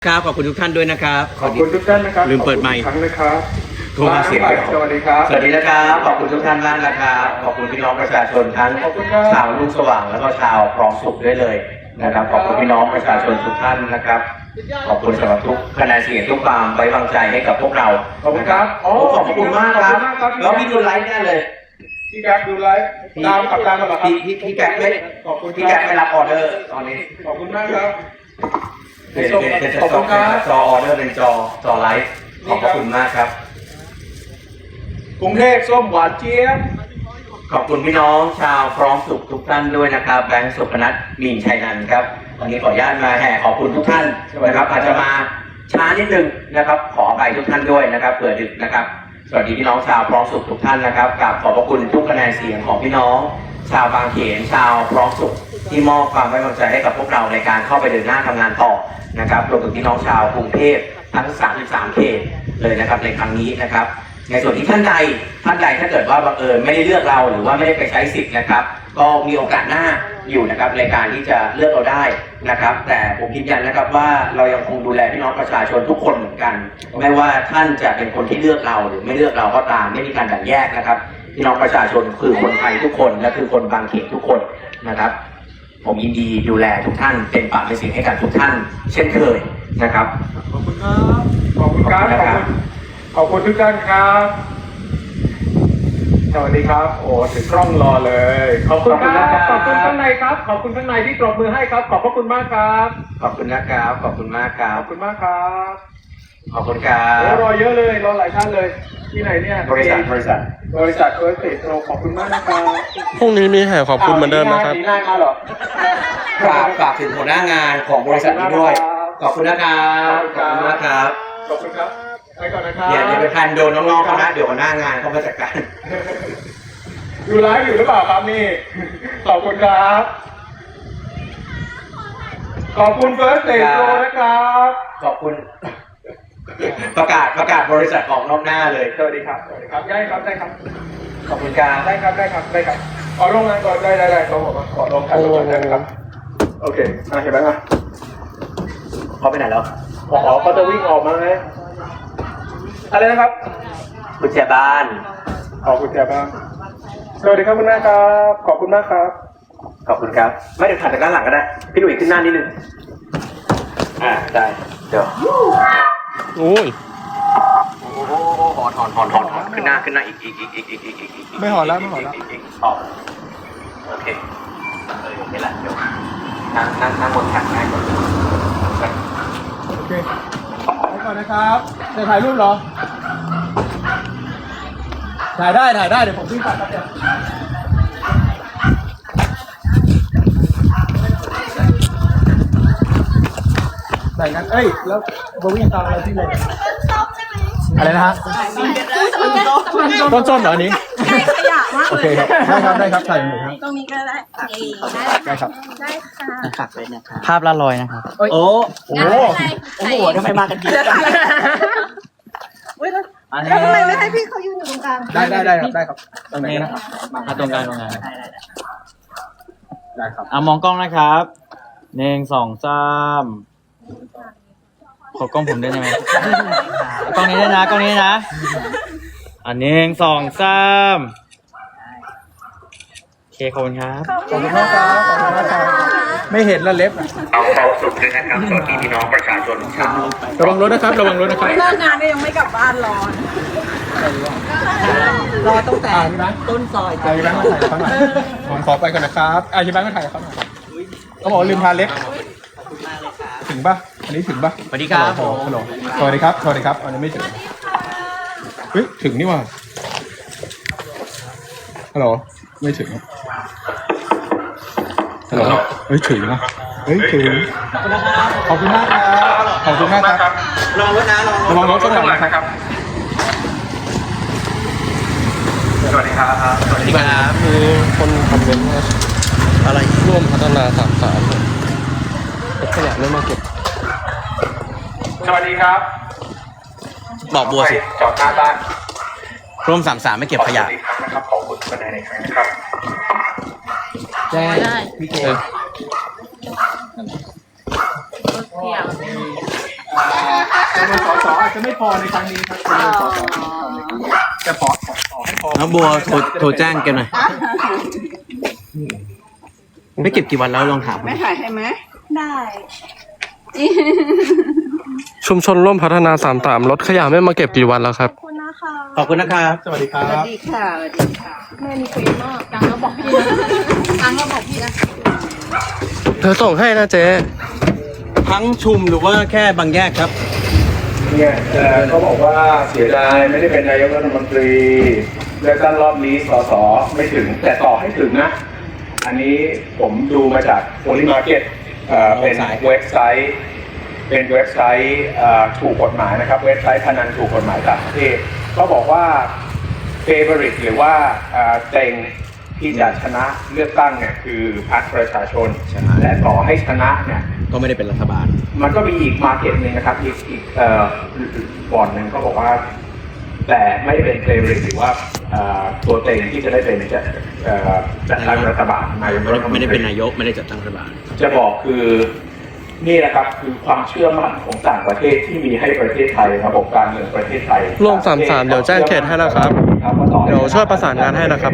ครับขอบคุณทุกท่านด้วยนะครับขอบคุณทุกท่านนะครับลืมเปิดไมค์ครั้งนะครับโทรมาเสียงสวัสดีครับสวัสดีนะครับขอบคุณทุกท่านมากนะครับขอบคุณพี่น้องประชาชนทั้งขอบคุณครับชาวลูกสว่างแล้วก็ชาวพร้อมสุขด้วยเลยนะครับขอบคุณพี่น้องประชาชนทุกท่านนะครับขอบคุณสำหรับทุกคะแนนเสียงทุกความไว้วางใจให้กับพวกเราขอบคุณครับโอ้ขอบคุณมากครับขอบคุณมากครับแล้วพี่ดูไลฟ์แน่เลยพี่แก๊ปดูไลฟ์ตามขับตามมาเหรอครับพี่แก๊ปไม่ขอบคุณพี่แก๊ปไม่รับออเดอร์ตอนนี้ขอบคุณมากครับเป็นขอบคุณครับจอออเดอร์เป็นจอไลฟ์ขอบพระคุณมากครับกรุงเทพส้มหวานเจี๊ยบขอบคุณพี่น้องชาวพร้อมสุขทุกท่านด้วยนะครับแบงค์สุพนัทมีนชัยนันท์ครับวันนี้ขออนุญาตมาแห่ขอบคุณทุกท่านนะครับอาจจะมาช้านิดนึงนะครับขออภัยทุกท่านด้วยนะครับเผื่อดึกนะครับสวัสดีพี่น้องชาวพร้อมสุขทุกท่านนะครับกราบขอบพระคุณทุกคะแนนเสียงของพี่น้อง ชาวบางเขนชาวพร้อมสุขที่มอบความไว้วางใจให้กับพวกเราในการเข้าไปเดินหน้าทำงานต่อนะครับรวมถึงพี่น้องชาวกรุงเทพทั้ง33เขตเลยนะครับในครั้งนี้นะครับ ในส่วนที่ท่านใดถ้าเกิดว่าบังเอิญไม่ได้เลือกเราหรือว่าไม่ได้ไปใช้สิทธิ์นะครับก็มีโอกาสหน้าอยู่นะครับในการที่จะเลือกเราได้นะครับแต่ผมยืนยันนะครับว่าเรายังคงดูแลพี่น้องประชาชนทุกคนเหมือนกันไม่ว่าท่านจะเป็นคนที่เลือกเราหรือไม่เลือกเราก็ตามไม่มีการแบ่งแยกนะครับพี่น้องประชาชนคือคนไทยทุกคนและคือคนบางเขตทุกคนนะครับผมยินดีดูแลทุกท่านเป็นปากเป็นเสียงให้กับทุกท่านเช่นเคยนะครับขอบคุณครับ ขอบคุณครับ ขอบคุณทุกท่านครับ สวัสดีครับ โอ้ถึงกล้องรอเลย ขอบคุณครับ ขอบคุณข้างในครับ ขอบคุณข้างในที่ปรบมือให้ครับ ขอบพระคุณมากครับขอบคุณนะครับขอบคุณมากครัขบอบคุณมากครับขอบคุณครัโอ้บรอเยอะเลย รอหลายท่านเลย ที่ไหนเนี่ยบริษัทเอสเตโขอบคุณมากนะครับพรุ่งนี้มีแห่ขอบคุณเหมือนเดิมนะครับดีหน้ามาเหรอฝากถึงหัวหน้างานของบริษัทนี้ด้วย ขอบคุณนะครับขอบคุณมากครับขอบคุณครับ ไปก่อนนะครับอย่าไปพันโดนน้องๆเขานะเดี๋ยวหัวหน้างานเขามาจัดการดูไลฟ์อยู่หรือเปล่าครับนี่ ขอบคุณครับ ขอบคุณเฟิร์สเตโนะครับขอบคุณ ประกาศบริษัทของรอบหน้าเลยสวัสดีครับ สวัสดีครับ ได้ครับ ได้ครับขอบคุณครับได้ครับ ได้ครับ ได้ครับ ขอลงงานก่อนได้เขาบอกว่าขอลงกันก่อนได้ไหมครับ โอเคเห็นไหมครับเขาไปไหนแล้วเขาจะวิ่งออกมาไงอะไรนะครับกุญแจบ้านขอบคุณแกบ้างสวัสดีครับคุณแม่ครับ ขอบคุณมากครับขอบคุณครับ ไม่เดี๋ยวถ่ายจากด้านหลังก็ได้ พี่หนุ่ยขึ้นหน้านิดนึงได้เดี๋ยวโอ้ยโอ้โหถอนขึ้นหน้าอีกไม่หอนแล้วออกโอเคโอเคละเดี๋ยวนั่งบนแท็กง่ายกว่าโอเคไปก่อนนะครับจะถ่ายรูปเหรอ ถ่ายได้ เดี๋ยวผมวิ่งตัดครับเดี๋ยวใส่งั้นแล้วโบวิ่งตามอะไรที่เลยอะไรนะฮะต้นส้มเหรออันนี้ขยะมากโอเลเคยครับได้ครับใส่หนึ่งครับตรงนี้ก็ได้ได้ครับได้ค่ะฝากเลยนะครับภาพละลอยนะครับโอ้โอ้โอ้โหทำไมมากันเยอะจังอุ้ยแล้วทำไมไม่ให้พี่เขายืนอยู่ตรงกลางได้ครับตรงไหนนะครับมาตรงกลางได้ครับมองกล้องนะครับ1 2 3ขอกล้องผมด้วยได้ไหมกล้องนี้ด้วยนะ1 2 3โอเคขอบคุณครับขอบคุณมากครับไม่เห็นแล้วเล็บเอาความสุขด้วยนะครับสวัสดีพี่น้องประชาชนชาวระวังรถนะครับเลิกงานก็ยังไม่กลับบ้านรอตั้งแต่ต้นซอยอาชีพแบงค์มาถ่ายกับเขาหน่อยผมขอไปก่อนนะครับอาชีพแบงค์มาถ่ายกับเขาหน่อยเขาบอกลืมทาเล็บถึงป่ะอันนี้ถึงป่ะสวัสดีครับผมฮัลโหลสวัสดีครับอันนี้ไม่ถึงเฮ้ยถึงนี่ว่ะฮัลโหลไม่ถึงฮัลโหลเฮ้ยถึงนะถึงขอบคุณมากครับลองรถนะระวังรถข้างหลังนะครับ สวัสดีครับสวัสดีครับมีคนคอมเมนต์ว่าอะไรร่วมพัฒนา33ขยะไม่มาเก็บสวัสดีครับบอกบัวสิจอดหน้าบ้านร่วม33ไม่เก็บขยะอีกครั้งนะครับขอบคุณคะแนนในครั้งนะครับได้พี่เจเที่ยวจำนวนสสอาจจะไม่พอในครั้งนี้ครับจำนวนสสจะขอให้พอน้องบัวโทรแจ้งแกหน่อยไม่เก็บกี่วันแล้วลองถามไม่ถ่ายให้ไหมได้ชุมชนร่วมพัฒนา33รถขยะไม่มาเก็บกี่วันแล้วครับขอบคุณนะคะขอบคุณนะครับสวัสดีครัสวับสดีค่ะสวัสดีค่ะแม่มีเฟซมากตังก็บอกพี่นะตังก็บอกพี่นะเธอส่งให้นะเจ๊ทั้งชุมหรือว่าแค่บางแยกครับเนี่ยเขาบอกว่าเสียดายไม่ได้เป็นนายกรัฐมนตรีเลือกตั้งรอบนี้สสไม่ถึงแต่ต่อให้ถึงนะ อันนี้ผมดูมาจาก Poly Market เป็นเว็บไซต์ถูกกฎหมายนะครับเว็บไซต์พนันถูกกฎหมายต่างประเทศก็บอกว่า favorite หรือว่าเต็งที่จะชนะเลือกตั้งเนี่ยคือพรรคประชาชนใช่และต่อให้ชนะเนี่ยก็ไม่ได้เป็นรัฐบาลมันก็มีอีกมาร์เก็ตหนึ่งนะครับอีกบอร์ดหนึ่งเขาบอกว่า แต่ไม่ได้เป็นเฟรนหรือว่าตัวเต็งที่จะได้เป็นจัดตั้งรัฐบาลนายกรัฐมนตรีไม่ได้เป็นนายกไม่ได้จัดตั้งรัฐบาลจะบอกคือนี่แหละครับคือความเชื่อมั่นของต่างประเทศที่มีให้ประเทศไทยระบบการเมืองประเทศไทยร่วม33เดี๋ยวแจ้งเขตให้นะครับ เดี๋ยวช่วยประสานงานให้นะครับ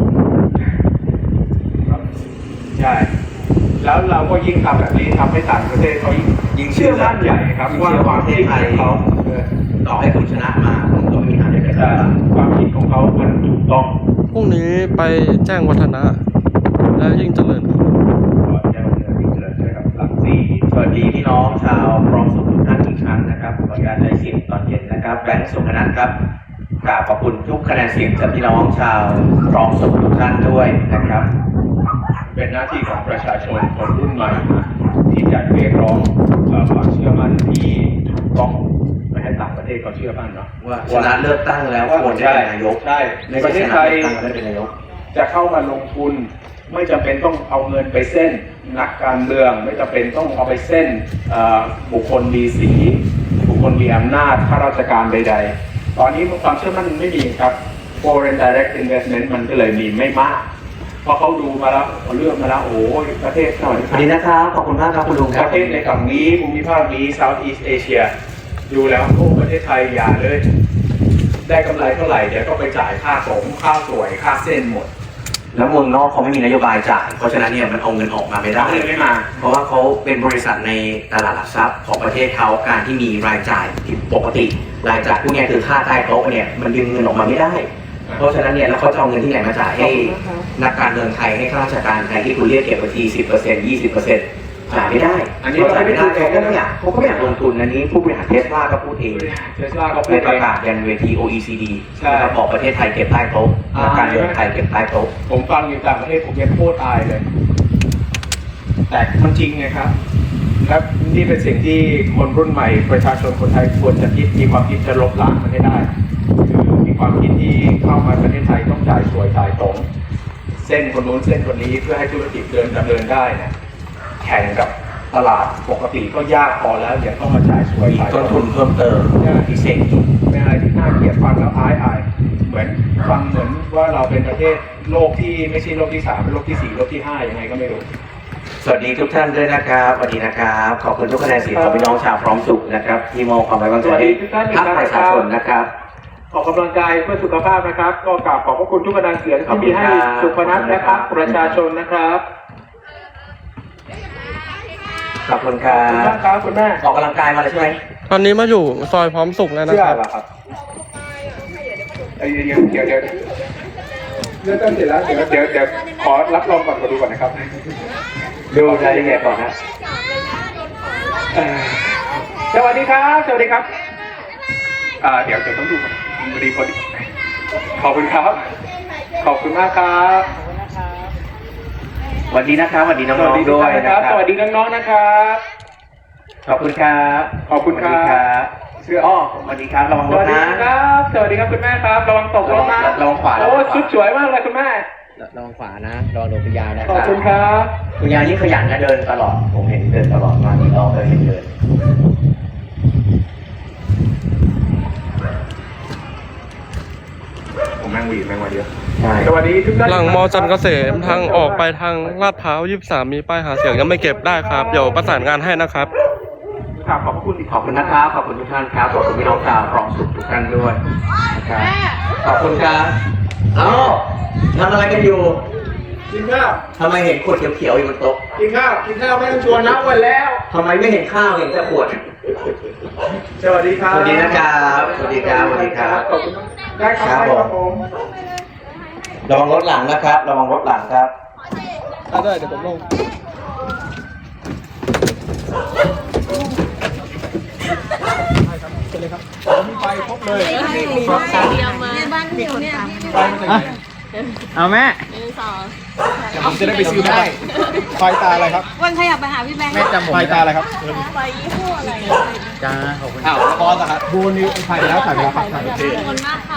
ใช่แล้วเราก็ยิ่งทำแบบนี้ทำให้ต่างประเทศเขายิ่งเชื่อมั่นใหญ่ครับว่าความคิดของเขาต่อให้คุณชนะมาคุณก็ไม่มีทางได้เป็นรัฐบาลความคิดของเขามันถูกต้องพรุ่งนี้ไปแจ้งวัฒนะ และยิ่งเจริญครับก่อนจะดำเนินการเลยนะครับหลักสี่สวัสดีพี่น้องชาวพร้อมสุขทุกท่านอีกครั้งนะครับขออนุญาตใช้เสียงตอนเย็นนะครับแบงค์สุขนันท์ครับกราบขอบคุณทุกคะแนนเสียงจากพี่น้องชาวพร้อมสุขทุกท่านด้วยนะครับเป็นหน้าที่ของประชาชนคนรุ่นใหม่ที่จะเรียกร้องความเชื่อมั่นที่ถูกต้องไปให้ต่างประเทศเขาเชื่อมั่นเนาะว่าชนะเลือกตั้งแล้วควรจะเป็นนายกใช่ในไม่ประเทใช่ศชไทนะยเลือกตั้งแล้วได้เป็นนายกจะเข้ามาลงทุนไม่จำเป็นต้องเอาเงินไปเส้นนักการเมืองไม่จำเป็นต้องเอาไปเส้นบุคคลมีสีบุคคลมีอำนาจข้าราชการใดๆ ตอนนี้ความเชื่อมั่นไม่มีครับ foreign direct investment มันก็เลยมีไม่มากเพราะเขาดูมาแล้วเขาเลือกมาแล้วโอ้ยประเทศหน่อยสวัสดีนะครับขอบคุณมากครับคุณลุงคปรับระเทศในฝั่งนี้ภูมิภาคนี้ Southeast Asia ดูแล้วโอ้ประเทศไทยอย่าเลย ได้กำไรเท่าไหร่เดี๋ยวก็ไปจ่ายค่าสงค่าสวยค่าเส้นหมดแล้วเมืองนอกเขาไม่มีนโยบายจ่ายเพราะฉะนั้นเนี่ยมันเอาเงินออกมาไม่ได้เลยไม่มาเพราะว่าเขาเป็นบริษัทในตลาดหลักทรัพย์ของประเทศเขาการที่มีรายจ่ายผิดปกติรายจ่ายพวกเนี้ยคือค่าใต้โต๊ะเนี่ยมันดึงเงินออกมาไม่ได้ เพราะฉะนั้นเนี่ยแล้วเขาจะเอาเงินที่ไหนมาจ่ายให้นักการเมืองไทยให้ข้าราชการไทยที่คุณเรียกเก็บบัญชี 10% 20%จ่ายไม่ได้อันนี้เขาจ่ายไม่ได้เขาก็ไม่อยากลงทุนอันนี้ผู้บริหารเทสลาก็พูดเองเทสลาก็พูในดประเองกาศยันเวที OECD ใช่นะครับบอกประเทศไทยเก็บใต้โต๊ะนักการเมืองไทยเก็บใต้โต๊ะผมฟังอยู่ต่างประเทศผมยังโคตรอายเลย แต่มันจริงไงครับ และนี่เป็นสิ่งที่คนรุ่นใหม่ประชาชนคนไทยควรจะคิดมีความคิดจะลบล้างมันให้ได้คือมีความคิดที่เข้ามาประเทศไทยต้องจ่ายสวยจ่ายตรง เส้นคนนู้นเส้นคนนี้เพื่อให้ธุรกิจดำเนินได้เนี่ยแข่งกับตลาดปกติก็ยากพอแล้วอย่าต้องมาจ่ายสวยมีจ่ายตต้รนงทุนเพิ่มเติมพิเศษอีกเป็นอะไรที่น่าเกลียดฟังแล้วอายเหมือนฟังเหมือนว่าเราเป็นประเทศโลกที่ไม่ใช่โลกที่3เป็นโลกที่4โลกที่5ยังไงก็ไม่รู้สวัสดีทุกท่านด้วยนะครับสวัสดีนะครับขอบคุณทุกคะแนนเสียงของพี่น้องชาวพร้อมสุขนะครับที่มองความไว้วางใจให้พรรคประชาชนนะครับออกกำลังกายเพื่อสุขภาพนะครับ ก็กราบขอบพระคุณทุกคะแนนเสียงที่มีให้สุพนัทและพรรคประชาชนนะครับขอบคุณครัขอบคุณบมากครับคุณแม่ออกกำลังกายมาเลยใช่ไหมตอนนี้มาอยู่ซอยพร้อมสุขแล้วนะเชื่อครับเหรอครับเดี๋ยวเรื่องต้นเสร็จแล้วเดี๋ยวขอรับรองก่อนมาดูก่อนนะครับดูรายละเอียดก่อนนะสวัสดีครับ สวัสดีครับเดี๋ยวต้องดูก่อนพอดีขอบคุณครับ ขอบคุณมากครับสวัสดีนะครับสวัสดีน้สวัสองดีๆด้วยนะนะคครัรับบ สวัสดีน้องๆนะครับขอบคุณครับขอบคุณครับสวัสดีครับเสื้ออ้อสวัสดีครับระวังสรวัถสดีนะครับสวัสดีครับคุณแม่ครับ ระวังตกรถนะระวังขวาโอ้ชุดสวยมากเลยคุณแม่ระวังขวานะระวังโดนคุณยายนะคขอบรับคุณครับคุณยายนี่ขยันนะเดินตลอดผมเห็นเดินตลอดมาที่รอบเลยเห็นเดินผมแม่งวีดแม่งมาเยอะใช่สวัสดีทุกท่านหลังมอจันทร์เกษมทางออกไปทางลาดพร้าว23มีป้ายหาเสียงยังไม่เก็บได้ครับ เดี๋ยวประสานงานให้นะครับคกราบขอบพระคุณอีกขอบคุณนะครับ ขอบคุณทุกท่านครับ ขอบคุณพี่น้องชาวคลองสุขทุกท่านด้วยนะครับ ขอบคุณครับเอ้าทำอะไรกันอยู่กินข้าวทำไมเห็นขวดเขียวๆอยู่บนโต๊ะกินข้าวไม่ต้องชวนนะวันแล้วทำไมไม่เห็นข้าวเห็นแต่ขวดสวัสดีครับสวัสดีนะครับ สวัสดีครับ สวัสดีครับขอบคุณมากได้ครับครับได้ครับผมระวังรถหลังนะครับ ระวังรถหลังครับได้เดี๋ยวผมลงมีไฟครบเลยเอาแม่ผมจะได้ไปซื้อได้ไฟตาอะไรครับวันขยับไปหาพี่แบงค์แม่จำผมไฟตาอะไรครับจ้าขอบคุณอ้าวคอสอะครับบูนี่ถ่ายไปแล้วถ่ายไปแล้วครับถ่ายไปแล้วขอบคุณมากค่ะ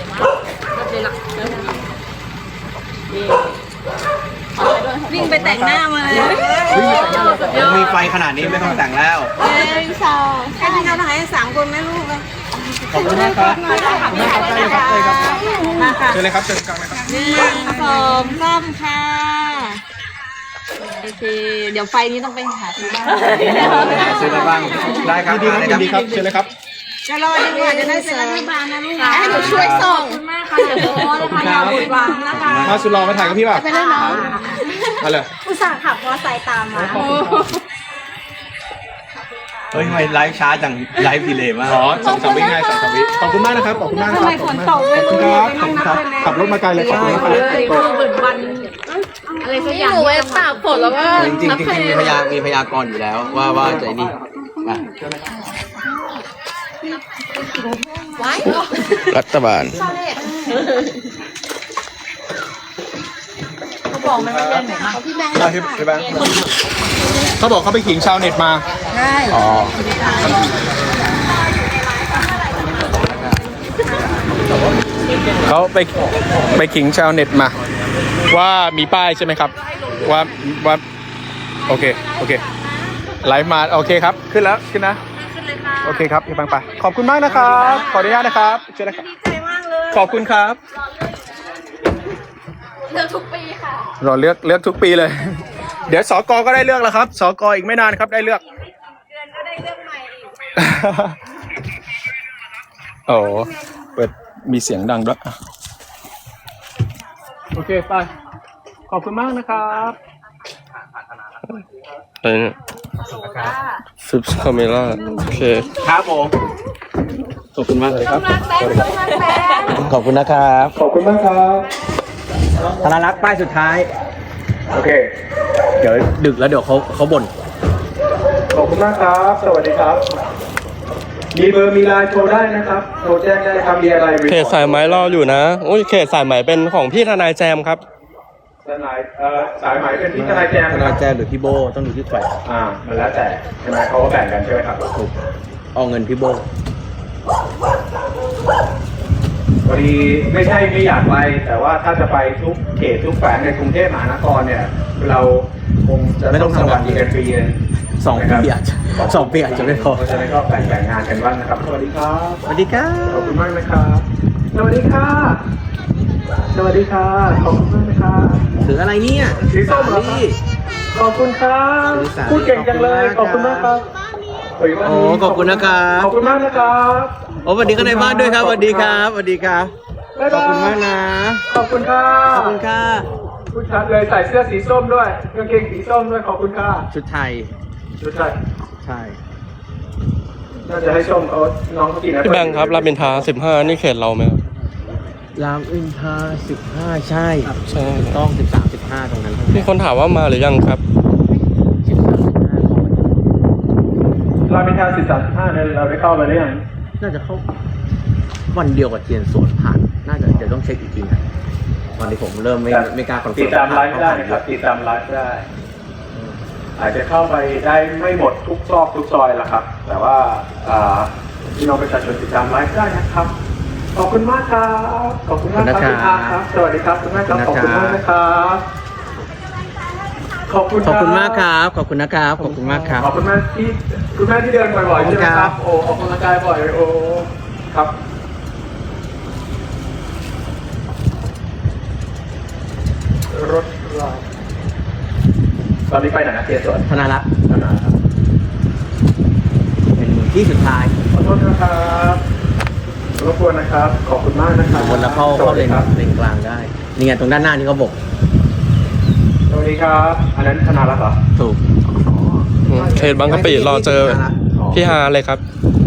วิ่งไปแต่งหน้ามาเลยมีไฟขนาดนี้ไม่ต้องแต่งแล้วแค่ที่เราถ่าย3 คนแม่ลูกอะขอบคุณมากครับขอบคุณมากครับได้เลยครับได้เลยครับเชิญเลยครับเชิญกลางเลยครับ 1 2 3ค่ะโอเคเดี๋ยวไฟนี้ต้องไปหาที่บ้านเชิญได้บ้างได้ครับยินดีครับยินดีครับเชิญเลยครับจะรอดีกว่าจะได้เป็นรัฐบาลนะลูกนะให้หนูช่วยส่งขอบคุณมากค่ะเดี๋ยวโพสนะคะอย่าหยุดหวังนะคะมาสุดรอมาถ่ายกับพี่ป่ะไปได้เนาะมาเลยอุตส่าห์ขับมอไซค์ตามมาเฮ้ยทำไมไลฟ์ช้าจัง ไลฟ์ดีเลยมากอ๋อ2-3 วิไง2-3 วิขอบคุณมากนะครับขอบคุณมากครับทำไมฝนตกไม่รู้ขอบคุณครับขับรถมาไกลเลยขอบคุณครับเหมือนวันอะไรสักอย่างหนูไว้ตากฝนแล้วก็จริงๆมีพยากรณ์อยู่แล้วว่าจะไอ้นี่อ่ะรัฐบาลเขาบอกมันไม่เล่นไหนมาพี่แบงค์เขาบอกเขาไปขิงชาวเน็ตมาใช่อ๋อเขาไปขิงชาวเน็ตมา ว่ามีป้ายใช่ไหมครับ ว่าโอเคไลฟ์มาโอเคครับขึ้นแล้วขึ้นนะโอเคครับพี่บังไปขอบคุณมากนะครับขออนุญาตนะครับเชิญเลยครับดีใจมากเลยขอบคุณครับเลือกทุกปีค่ะรอเลือกทุกปีเลย เดี๋ยวสกก็ได้เลือกแล้วครับสกอีกไม่นานครับได้เลือกเดือนก็ได้เรื่องใหม่อีกโอ้เปิดมีเสียงดังด้วยโอเคไปขอบคุณมากนะครับอะไรเนี่ยฟิปคาเมล่าโอเคครับผม ขอบคุณมากเลยครับ ขอบคุณนะครับขอบคุณมากครับธนารักษ์ป้ายสุดท้ายโอเคเดี๋ยวดึกแล้วเดี๋ยวเขาบ่นขอบคุณมากครับ สวัสดีครับ มีเบอร์มีไลน์โทรได้นะครับโทรแจ้งได้ครับมีอะไรเขตสายไหมรออยู่นะโอ้ยเขตสายไหมเป็นของพี่ทนายแจมครับทนายสายไหมเป็นที่ทนายแจมธนาแจมหรือพี่โบต้องดูที่ใครมันแล้วแต่ใช่ไหมเขาก็แบ่งกันใช่ไหมครับถูกเอาเงินพี่โบพอดีไม่ใช่ไม่อยากไปแต่ว่าถ้าจะไปทุกเขตทุกแขวงในกรุงเทพมหานครเนี่ย เราคงจะไม่ต้องทำงานอีกกันฟรีเลย 2 ปีอาจจะ2 ปีอาจจะไม่พอเพราะฉะนั้นก็แบ่งงานกันบ้างนะครับ สวัสดีครับสวัสดีครับขอบคุณมากนะครับ สวัสดีค่ะ สวัสดีค่ะ ขอบคุณมากนะครับถืออะไรเนี่ยสีส้มเหรอครับ ขอบคุณครับพูดเก่งจังเลย ขอบคุณมากครับโอ้ขอบคุณนะครับขอบคุณมากนะครับโอ้สวัสดีกันในบ้านด้วยครับสวัสดีครับสวัสดีครับบ๊ายขอาบยคุณมากนะขอบคุณค่ะขอบคุณค่ะผู้ชัดเลยใส่เสื้อสีส้มด้วยกางเกงสีส้มด้วย ขอบคุณค่ะชุดไทยชุดใส่ใช่น่าจะให้ส้มเขาน้องเขากินนะพี่แบงค์ครับรามอินทรา15นี่เขตเราไหมครับรามอินทรา15 ใช่ใช่ต้อง13 15ตรงนั้นมีคนถามว่ามาหรือยังครับเราเป็นทาง13-15เนี่ยเราได้เข้าไปหรือยังน่าจะเข้าวันเดียวกับเทียนสวนผ่าน น่าจะเดี๋ยวต้องเช็คอีกทีนะวันนี้ผมเริ่มไม่กล้าคอนเฟิติร์ดตามไลฟ์ได้นะครับติดตามไลฟ์ได้ อาจจะเข้าไปได้ไม่หมดทุกซอกทุกซอยละครับ แต่ว่าพี่น้องประชาชนติดตามไลฟ์ได้นะครับ ขอบคุณมากครับ ขอบคุณมากครับคุณอาครับ สวัสดีครับคุณแม่ครับ ขอบคุณมากนะครับขอบคุณขอบคุณมากครับ ขอบคุณนะครับ ขอบคุณมากครับขอบคุณมากที่คุณแม่ที่เดินบ่อยๆใช่ไหมคครัรับ บ โอ้ออกกำลังกายบ่อยโอ้ครับ รถราตอนนี้ไปไหนนะเทียสวนธนารักษ์นะครับที่สุดท้ายขอโทษนะครับรบกวนนะครับ ขอบคุณมากนะครับวนแล้วเข้าเลนครับกลางได้นี่ไงตรงด้านหน้านี่เขาบอกสวัสดีครับ อันนั้นธนารักษ์เหรอถูกเขตบางกะปิรอเจอพี่ฮาเลยครับ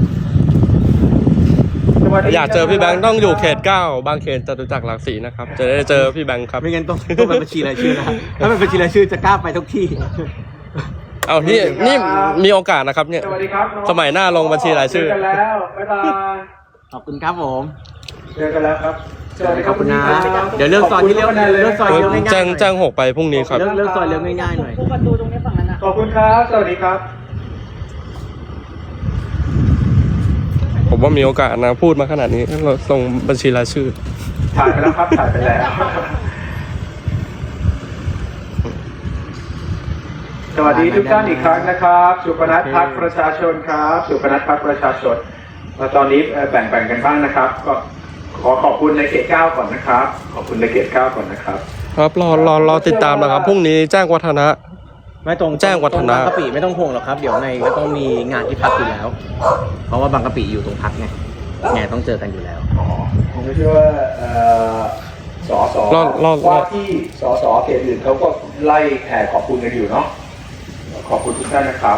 สวัสดีอยากเจอพี่แบงค์ต้องอยู่เขต 9 บางเขตจตุจักรหลักสี่นะครับ จะได้เจอพี่แบงค์ครับไม่งั้นต้องเป็นบัญชีรายชื่อนะถ้าเป็นบัญชีรายชื่อจะกล้าไปทุกที่เอานี่มีโอกาสนะครับเนี่ยสวัสดีครับน้องสมัยหน้าลงบัญชีรายชื่อเจอกันแล้วบ๊ายบายขอบคุณครับผมเจอกันแล้วครับสวัสดีครับขอบคุณนะพี่รับเดี๋ยวเลือกซอยที่เลี้ยวเลือกซอยเลี้ยวง่ายๆแจ้ง6ไปพรุ่งนี้ครับเลือกซอยเลี้ยวง่ายๆหน่อยขอบคุณครับ สวัสดีครับผมว่ามีโอกาสนะพูดมาขนาดนี้เราส่งบัญชีรายชื่อถ่ายไปแล้วครับ ถ่ายไปแล้ว สวัสดีทุกท่านอีกครั้งนะครับ สุพนัทพัฒน์ประชาชนครับ สุพนัทพัฒน์ประชาชนแล้วตอนนี้แบ่งกันบ้างนะครับ ก็ขอบคุณในเขต 9 ก่อนนะครับ ขอบคุณในเขต 9 ก่อนนะครับครับรอติดตามนะครับพรุ่งนี้แจ้งวัฒนะไม่ตรงแจ้งวัฒนะบางกะปิไม่ต้องห่วงหรอกครับ เดี๋ยวในก็ต้องมีงานที่พักอยู่แล้ว เพราะว่าบางกะปิอยู่ตรงพักไงต้องเจอกันอยู่แล้วผมก็เชื่อว่าสสว่าที่สสเขตอื่นเขาก็ไล่แห่ขอบคุณกันอยู่เนาะ ขอบคุณทุกท่านนะครับ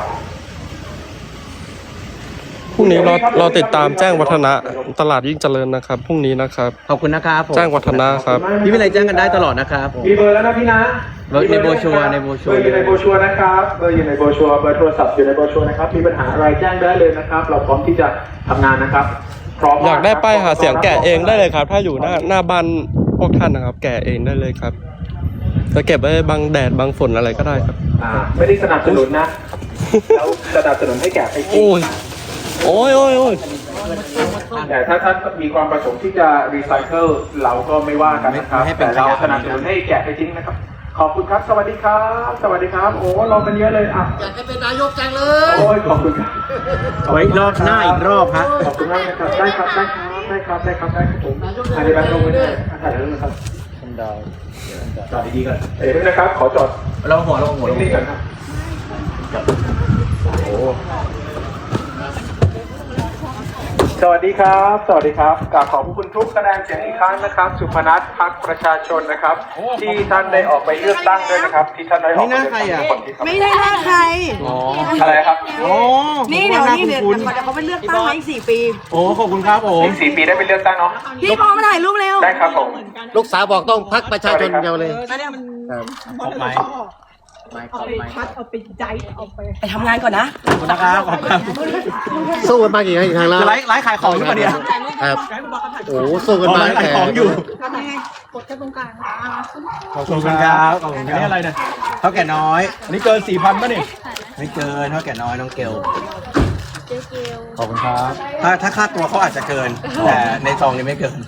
พรุ่งนี้รอติดตามแจ้งวัฒนะตลาดยิ่งเจริญนะครับพรุ่งนี้นะครับขอบคุณนะครับผมแจ้งวัฒนะครับพี่วิไลแจ้งกันได้ตลอดนะครับผมมีเบอร์แล้วนะพี่นะในโบรชัวร์ในโบรชัวร์เบอร์อยู่ในโบรชัวร์นะครับ เบอร์อยู่ในโบรชัวร์ เบอร์โทรศัพท์อยู่ในโบรชัวร์นะครับ มีปัญหาอะไรแจ้งได้เลยนะครับ เราพร้อมที่จะทำงานนะครับ พร้อมอยากได้ป้ายหาเสียงแกะเองได้เลยครับ ถ้าอยู่หน้าบ้านพวกท่านนะครับ แกะเองได้เลยครับจะเก็บไว้บังแดดบังฝนอะไรก็ได้ครับไม่ได้สนับสนุนนะแล้วสนับสนุนให้แกะไปจริโอ้งยโอ้ยแต่ถ้าท่านมีความประสงค์ที่จะรีไซเคิลเราก็ไม่ว่ากันนะครับไม่ให้เป็นแต่เราขยะสนับสนุนให้แกะไปทิ้งนะครับ ขอบคุณครับ สวัสดีครับ สวัสดีครับ โอ้รอกันเยอะเลยอ่ะอยากจะเป็นนายกจังเลยโอ้ยขอบคุณครับไว้รอบหน้าอีกรอบฮะขอบคุณมากนะครับ ได้ครับ ได้ครับ ได้ครับ ได้ครับ ได้ครับผมอันนี้แบงค์ลงไว้ด้วยถ่ายรูปนะครับจอดดีๆก่อนเดี๋ยวนะครับ ขอจอดเราหัวนิ่งๆก่อนครับโอ้สวัสดีครับ สวัสดีครับกราบขอบพระคุณทุกคะแนนเสียงอีกครั้งนะครับ สุพนัทพรรคประชาชนนะครับ ที่ท่านได้ออกไปเลือกตั้งด้วยนะครับ ที่ท่านได้ออกไปเลือกตั้งทุกคนที่ครับไม่ได้หน้าใครอะไรครับนี่เดี๋ยวเขาไปเลือกตั้งมาอีก4 ปีโอ้ขอบคุณครับผมอีก4 ปีได้ไปเลือกตั้งเนาะพี่พอมาถ่ายรูปเร็วได้ครับผมลูกสาวบอกต้องพักประชาชนเดียวเลยขอบไหมไปทำงานก่อนนะขอบคุณนะครับขอบคุณครับสู้กันมากี่ครั้งแล้วจะไลฟ์ขายของอยู่ปะเนี่ยครับโอ้สู้กันมาขายของอยู่ทำยังไงกดแค่ตรงกลางขอบคุณครับขอบคุณครับนี่อะไรเนี่ยเท่าแก่น้อยอันนี้เกิน 4,000ป่ะนี่ไม่เกินเท่าแก่น้อยน้องเกลขอบคุณครับถ้าค่าตัวเขาอาจจะเกิน แต่ในซองนี้ไม่เกิน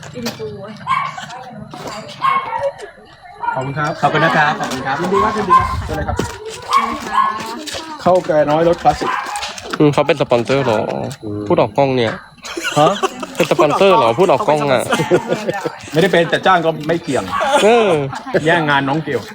ขอบคุณครับขอบคุณนะครับขอบคุณครับยินดีครับเชิญเลยครับเข้าแก่น้อยรถคลาสสิกเขาเป็นสปอนเซอร์เหรอพูดออกกล้องเนี่ยฮะเป็นสปอนเซอร์เหรอพูดออกกล้องอ่ะไม่ได้เป็นแต่จ้างก็ไม่เกี่ยงเออแย่งงานน้องเกี่ยว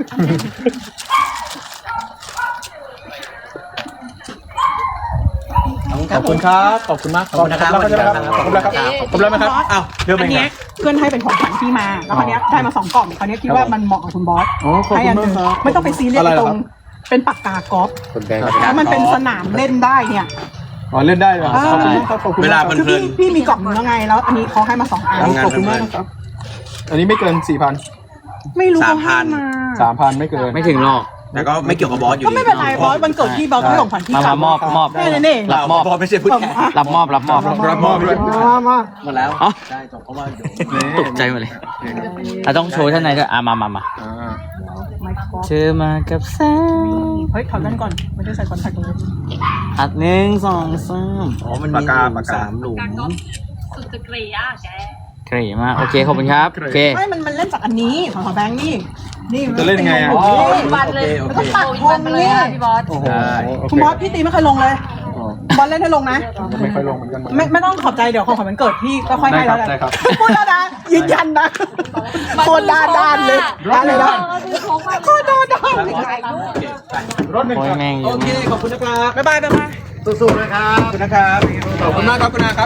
ขอบคุณครับ ขอบคุณมากขอบคุณนะครับขอบคุณครับขอบคุณครับขอบคุณแล้วไหมครับอ้าวเรื่องอัเป็นนไงเนี้ยเพื่อนให้เป็นของขวัญที่มา แล้วคราวเนี้ยได้มา2 กล่องคราวเนี้ยคิดว่ามันเหมาะกับคุณบอสอ๋อขอบให้คุอัณนหมากนึงครับไม่ต้องไปซีเรียสอะไรเหรอตรครังบเป็นปากกากอล์ฟคุณแบงค์แล้วมันเป็นสนามเล่นได้เนี่ยอ๋อเล่นได้เหรอขอบคุณมากครับขอบคุณเวมากลาครับคือพี่มีกล่องนึงแล้วไง แล้วอันนี้เขาให้มา2 อันขอบคุณมากนะครับ อันนี้ไม่เกินไม่รู้เขาให้มา 3,000ไม่เกินไม่ถึงหรอกแต่ก็ไม่เกี่ยวกับบอสอยู่ก็ไม่เป็นไรบอสวันเกิดพี่บอสให้ของขวัญพี่กลับมอบแค่นั้นเองเราบอสไม่ใช่ผู้แทนรับมอบด้วยมาหมดแล้วได้จบเพราะว่าเดี๋ยวตกใจหมดเลยเราต้องโชว์ท่านไหนก็มาเธอมากับแสงเฮ้ยถอดแว่นก่อนไม่ได้ใส่คอนแทคเลยอัด1 2 3 อ๋อมันมี3 หลุมสุดจะเกลียแกเกรมากโอเคขอบคุณครับโอเคไม่มันเล่นจากอันนี้ของแบงค์นี่นี่จะเล่นยังไงอะโอ้โหวันเลยโอมันเคต้องตัดโอ้ยทวังนไปเลยนี่อะพี่บอสได้คุณบอสพี่ตีไม่เคยลงเลยบอสเล่นให้ลงนะไม่ค่อยลงเหมือนกันไม่ต้องขอบใจเดี๋ยวของขวัญมันเกิดพี่ก็ค่อยให้แล้วกันได้ครับพูดแล้วนะยืนยันนะโคตรด้านเลยด้านเลยนะโคตรด้านเลยรถหนึ่งโอ้ยครับแม่งโอเคขอบคุณนะครับบ๊ายบายสู้ๆนะครับขอบคุณนะครับขอบคุณมากครับคุณอาครับ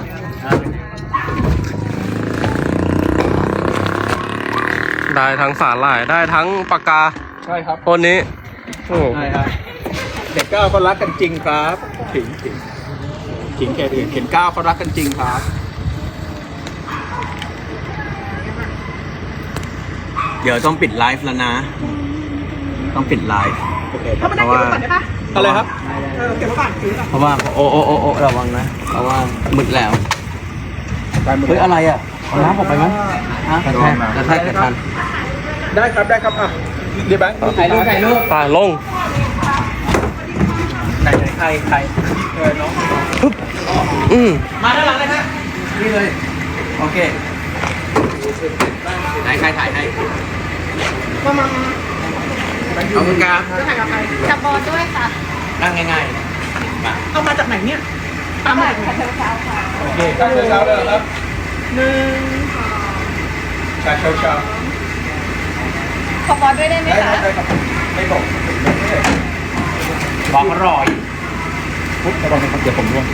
ได้ทั้งสาหร่ายได้ทั้งปากกาใช่ครับคนนี้โอ้ใช่ครับเด็กก้าวเขารักกันจริงครับขิงแค่อื่นเข็นก้าวเขารักกันจริงครับเดี๋ยวต้องปิดไลฟ์แล้วนะ ต้องปิดไลฟ์เข้ามานั่งเก็บไว้ก่อนได้ปะอะไรครับเก็บไว้ก่อนถือก่อนเพราะว่าโอ้ระวังนะเพราะว่ามืดแล้ว เฮ้ยอะไรอ่ะเอาน้ำออกไปมั้ยฮะกระแทกกันได้ครับได้ครับอ่ะเดี๋ยวแบงค์ถ่ายรูปตายลงไหนใครน้องอืมมาด้านหลังเลยครับนี่เลยโอเคไหนใครถ่ายให้ขอบคุณครับจะถ่ายกับใครจับบอลด้วยค่ะนั่งง่ายๆมาเอามาจากไหนเนี่ยตามมาจากไหนโอเคครับเช้าเลยครับหนึ่งเช้าขอบอลด้วยได้ไหมได้คคะรับได้ครับไม่บอกบอกอร่อยปุ๊บระวังนะครับเดี๋ยวผมร่วง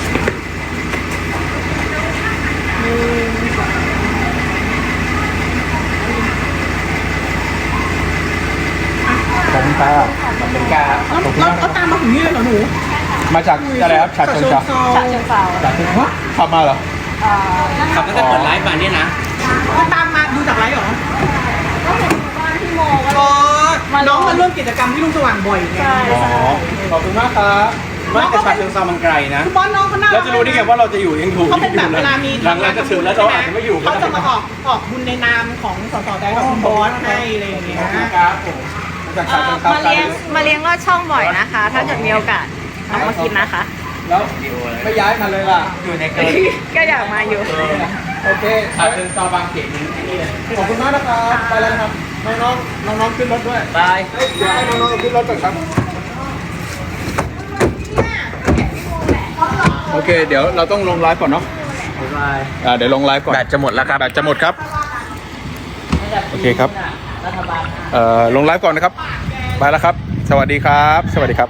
ขอบคุณครับขอบคุณครับแล้วตามมาถึงนี่เลยเหรอหนูมาจากอะไรครับฉะเชิงเทราฉะเชิงเทราจากที่ฮะขับมาเหรอขับตั้งแต่เปิดไลฟ์มาเนี่ยนะก็ตามมาดูจากไลฟ์เหรอก็เห็นบ้านพี่โมก็อ๋อน้องมาร่วมกิจกรรมที่ลุงสว่างบ่อยไงใช่อ๋อ ขอบคุณมากครับว่าแต่ฉะเชิงเทรามันไกลนะคุณบอสน้องเขาน่าแล้วจะรู้ได้ไงว่าเราจะอยู่ยังถูกเขาเป็นแบบเวลามีหลังๆจะถึงแล้วเราอาจจะไม่อยู่ก็เขาได้จะมาออกบุญในนามของสสแดงกับคุณบอสให้อะไรอย่างเงี้ยครับผมจากฉะเชิงเทรามาเลี้ยงลอดช่องบ่อยนะคะ ถ้าเกิดมีโอกาสเอามากินนะคะแล้วไม่ย้ายมาเลยล่ะอยู่ในเกินก็อยากมาอยู่โอเคฉะเชิงเทราบางเขนนี่เลยขอบคุณมากนะครับ ไปแล้วนะครับ น้องๆขึ้นรถด้วยบายเดี๋ยวให้น้องๆขึ้นรถก่อนครับ โอเค เดี๋ยวเราต้องลงไลฟ์ก่อนเนาะบายเดี๋ยวลงไลฟ์ก่อนแบตจะหมดแล้วครับแบตจะหมดครับ โอเคครับ ลงไลฟ์ก่อนนะครับ ไปแล้วครับ สวัสดีครับ สวัสดีครับ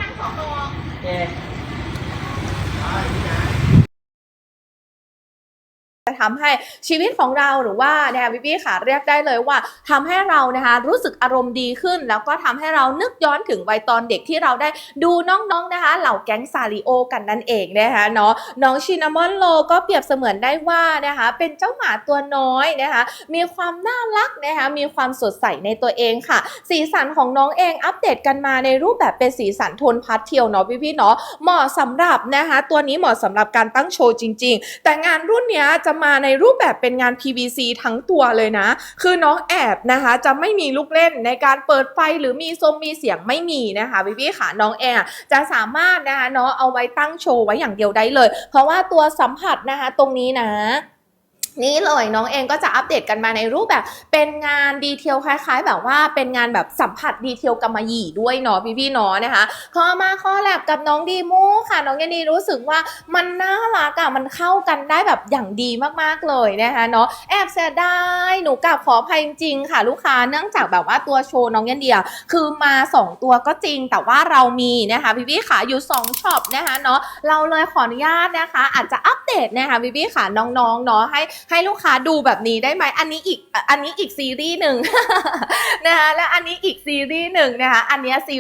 จะทำให้ชีวิตของเราหรือว่านะคะพี่ๆค่ะเรียกได้เลยว่าทำให้เรานะคะรู้สึกอารมณ์ดีขึ้น แล้วก็ทำให้เรานึกย้อนถึงวัยตอนเด็กที่เราได้ดูน้องๆนะคะเหล่าแก๊งซาริโอกันนั่นเองนะคะเนาะน้องชินามอนโลก็เปรียบเสมือนได้ว่านะคะเป็นเจ้าหมาตัวน้อยนะคะมีความน่ารักนะคะมีความสดใสในตัวเองค่ะสีสันของน้องเองอัปเดตกันมาในรูปแบบเป็นสีสันโทนพาสเทลเนาะพี่ๆเนาะเหมาะสำหรับนะคะตัวนี้เหมาะสำหรับการตั้งโชว์จริงๆแต่งานรุ่นเนี้ยจะมาในรูปแบบเป็นงาน PVC ทั้งตัวเลยนะคือน้องแอบนะคะจะไม่มีลูกเล่นในการเปิดไฟหรือมีมีเสียงไม่มีนะคะพี่ๆค่ะน้องแอบจะสามารถนะคะเนาะเอาไว้ตั้งโชว์ไว้อย่างเดียวได้เลยเพราะว่าตัวสัมผัสนะคะตรงนี้นะนี่เลยน้องเองก็จะอัปเดตกันมาในรูปแบบเป็นงานดีเทลคล้ายๆแบบว่าเป็นงานแบบสัมผัสดีเทลกำมะหยี่ด้วยเนาะพี่ๆเนาะนะคะพอมาข้อแลบกับน้องดีมูค่ะน้องยันดีรู้สึกว่ามันน่ารักอะมันเข้ากันได้แบบอย่างดีมากๆเลยนะคะเนาะแอบเสียดายหนูกลับขออภัยจริงๆค่ะลูกค้าเนื่องจากแบบว่าตัวโชว์น้องยันเดียคือมา2ตัวก็จริงแต่ว่าเรามีนะคะพี่ๆค่ะอยู่2ช็อปนะคะเนาะเราเลยขออนุญาตนะคะอาจจะอัปเดตนะคะพี่ๆค่ะน้องๆเนาะให้ลูกค้าดูแบบนี้ได้ไหมอันนี้อีกซีรีส์หนึ่ง นะคะและอันนี้อีกซีรีส์หนึ่งนะคะอันนี้ซี